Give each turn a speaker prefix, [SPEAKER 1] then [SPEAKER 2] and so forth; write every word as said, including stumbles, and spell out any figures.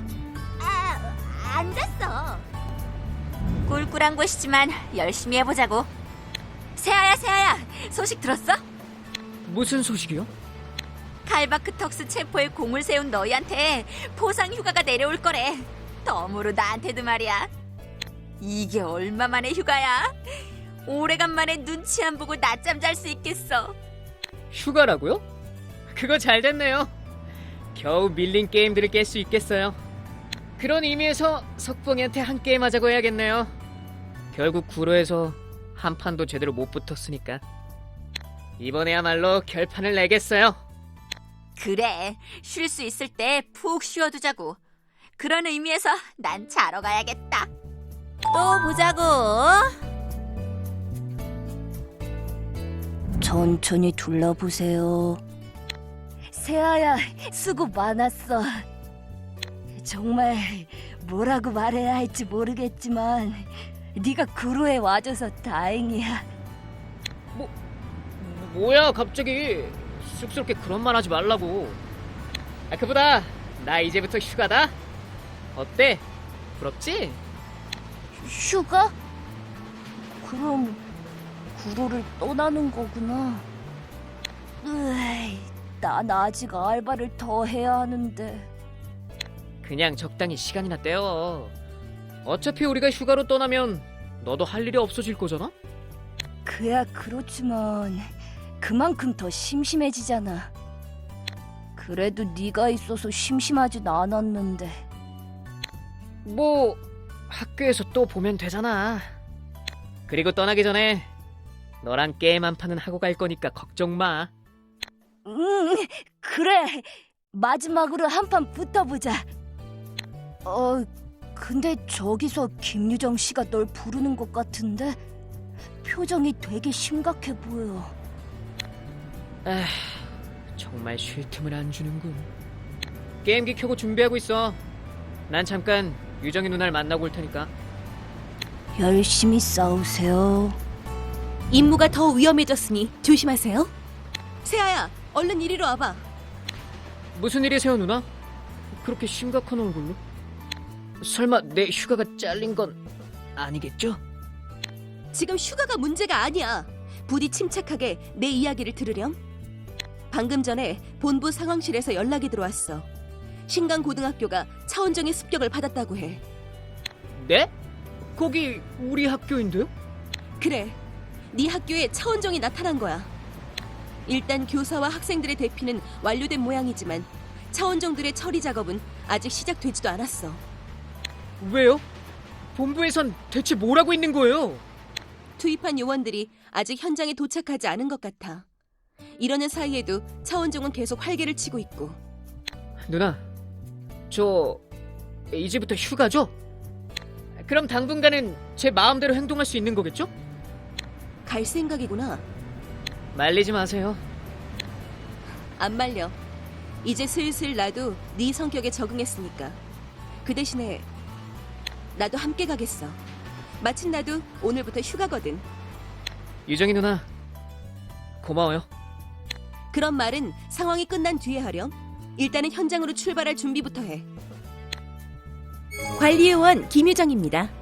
[SPEAKER 1] 아, 안 됐어. 꿀꿀한 곳이지만 열심히 해보자고. 세아야, 세아야, 소식 들었어?
[SPEAKER 2] 무슨 소식이요?
[SPEAKER 1] 칼바크턱스 체포에 공을 세운 너희한테 포상 휴가가 내려올 거래. 덤으로 나한테도 말이야. 이게 얼마만의 휴가야? 오래간만에 눈치 안 보고 낮잠 잘 수 있겠어.
[SPEAKER 2] 휴가라고요? 그거 잘 됐네요. 겨우 밀린 게임들을 깰 수 있겠어요. 그런 의미에서 석봉이한테 한 게임 하자고 해야겠네요. 결국 구로에서 한 판도 제대로 못 붙었으니까 이번에야말로 결판을 내겠어요.
[SPEAKER 1] 그래, 쉴 수 있을 때 푹 쉬어두자고. 그런 의미에서 난 자러 가야겠다. 또 보자고.
[SPEAKER 3] 천천히 둘러보세요. 세아야, 수고 많았어. 정말 뭐라고 말해야 할지 모르겠지만 네가 구로에 와줘서 다행이야.
[SPEAKER 2] 뭐, 뭐야 갑자기 쑥스럽게 그런 말 하지 말라고. 아, 그보다 나 이제부터 휴가다. 어때? 부럽지?
[SPEAKER 3] 휴가? 그럼 구로를 떠나는 거구나. 으이, 난 아직 알바를 더 해야 하는데.
[SPEAKER 2] 그냥 적당히 시간이나 때워. 어차피 우리가 휴가로 떠나면 너도 할 일이 없어질 거잖아?
[SPEAKER 3] 그야 그렇지만 그만큼 더 심심해지잖아. 그래도 네가 있어서 심심하진 않았는데.
[SPEAKER 2] 뭐 학교에서 또 보면 되잖아. 그리고 떠나기 전에 너랑 게임 한 판은 하고 갈 거니까 걱정 마.
[SPEAKER 3] 응, 그래. 마지막으로 한 판 붙어보자. 어, 근데 저기서 김유정 씨가 널 부르는 것 같은데? 표정이 되게 심각해 보여.
[SPEAKER 2] 에휴, 정말 쉴 틈을 안 주는군. 게임기 켜고 준비하고 있어. 난 잠깐 유정이 누나를 만나고 올 테니까.
[SPEAKER 3] 열심히 싸우세요.
[SPEAKER 4] 임무가 더 위험해졌으니 조심하세요. 세아야, 얼른 이리로 와봐.
[SPEAKER 2] 무슨 일이세요, 누나? 그렇게 심각한 얼굴로? 설마 내 휴가가 잘린 건 아니겠죠?
[SPEAKER 4] 지금 휴가가 문제가 아니야. 부디 침착하게 내 이야기를 들으렴. 방금 전에 본부 상황실에서 연락이 들어왔어. 신강고등학교가 차원정의 습격을 받았다고 해.
[SPEAKER 2] 네? 거기 우리 학교인데요?
[SPEAKER 4] 그래, 네 학교에 차원정이 나타난 거야. 일단 교사와 학생들의 대피는 완료된 모양이지만 차원정들의 처리 작업은 아직 시작되지도 않았어.
[SPEAKER 2] 왜요? 본부에선 대체 뭘 하고 있는 거예요?
[SPEAKER 4] 투입한 요원들이 아직 현장에 도착하지 않은 것 같아. 이러는 사이에도 차원정은 계속 활개를 치고 있고.
[SPEAKER 2] 누나, 저 이제부터 휴가죠? 그럼 당분간은 제 마음대로 행동할 수 있는 거겠죠?
[SPEAKER 4] 갈 생각이구나.
[SPEAKER 2] 말리지 마세요.
[SPEAKER 4] 안 말려. 이제 슬슬 나도 네 성격에 적응했으니까. 그 대신에 나도 함께 가겠어. 마침 나도 오늘부터 휴가거든.
[SPEAKER 2] 유정이 누나, 고마워요.
[SPEAKER 4] 그런 말은 상황이 끝난 뒤에 하렴. 일단은 현장으로 출발할 준비부터 해. 관리요원 김유정입니다.